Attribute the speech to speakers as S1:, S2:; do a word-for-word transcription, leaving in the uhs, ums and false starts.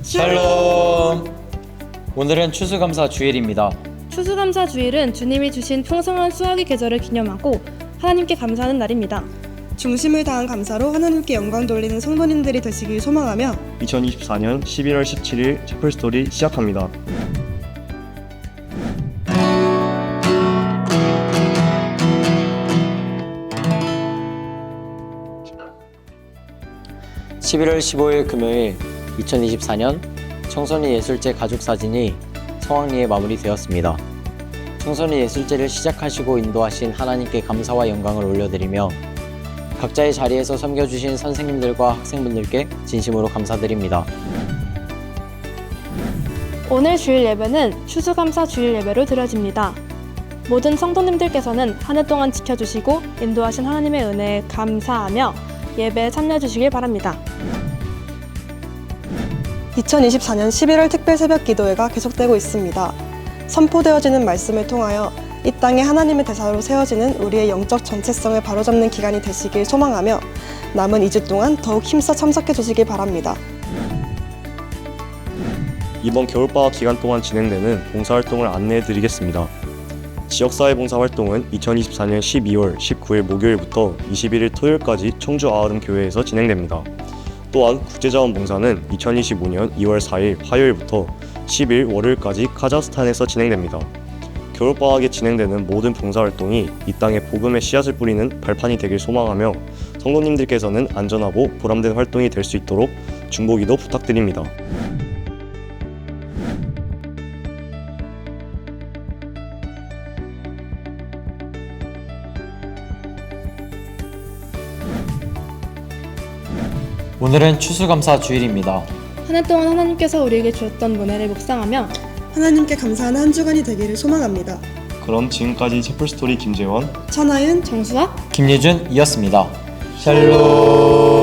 S1: 샬롬! 오늘은 추수감사 주일입니다.
S2: 추수감사 주일은 주님이 주신 풍성한 수확의 계절을 기념하고 하나님께 감사하는 날입니다.
S3: 중심을 다한 감사로 하나님께 영광 돌리는 성도님들이 되시길 소망하며
S4: 이천이십사 년 십일월 십칠일 채플스토리 시작합니다.
S1: 십일월 십오일 금요일 이천이십사 년 청소년 예술제 가족사진이 성황리에 마무리되었습니다. 청소년 예술제를 시작하시고 인도하신 하나님께 감사와 영광을 올려드리며 각자의 자리에서 섬겨주신 선생님들과 학생분들께 진심으로 감사드립니다.
S2: 오늘 주일 예배는 추수감사 주일 예배로 드려집니다. 모든 성도님들께서는 한 해 동안 지켜주시고 인도하신 하나님의 은혜에 감사하며 예배에 참여해주시길 바랍니다.
S3: 이천이십사 년 십일월 특별 새벽 기도회가 계속되고 있습니다. 선포되어지는 말씀을 통하여 이 땅에 하나님의 대사로 세워지는 우리의 영적 정체성을 바로잡는 기간이 되시길 소망하며 남은 이 주 동안 더욱 힘써 참석해 주시길 바랍니다.
S4: 이번 겨울방학 기간 동안 진행되는 봉사활동을 안내해 드리겠습니다. 지역사회 봉사활동은 이천이십사 년 십이월 십구일 목요일부터 이십일일 토요일까지 청주 아흐름 교회에서 진행됩니다. 또한 국제자원봉사는 이천이십오 년 이월 사일 화요일부터 십일 월요일까지 카자흐스탄에서 진행됩니다. 겨울방학에 진행되는 모든 봉사활동이 이 땅에 복음의 씨앗을 뿌리는 발판이 되길 소망하며 성도님들께서는 안전하고 보람된 활동이 될 수 있도록 중보기도 부탁드립니다.
S1: 오늘은 추수감사 주일입니다.
S2: 한 해 동안 하나님께서 우리에게 주었던 은혜를 묵상하며
S3: 하나님께 감사하는 한 주간이 되기를 소망합니다.
S4: 그럼 지금까지 채플스토리 김재원,
S3: 천하윤,
S2: 정수학
S1: 김예준이었습니다. 샬롬!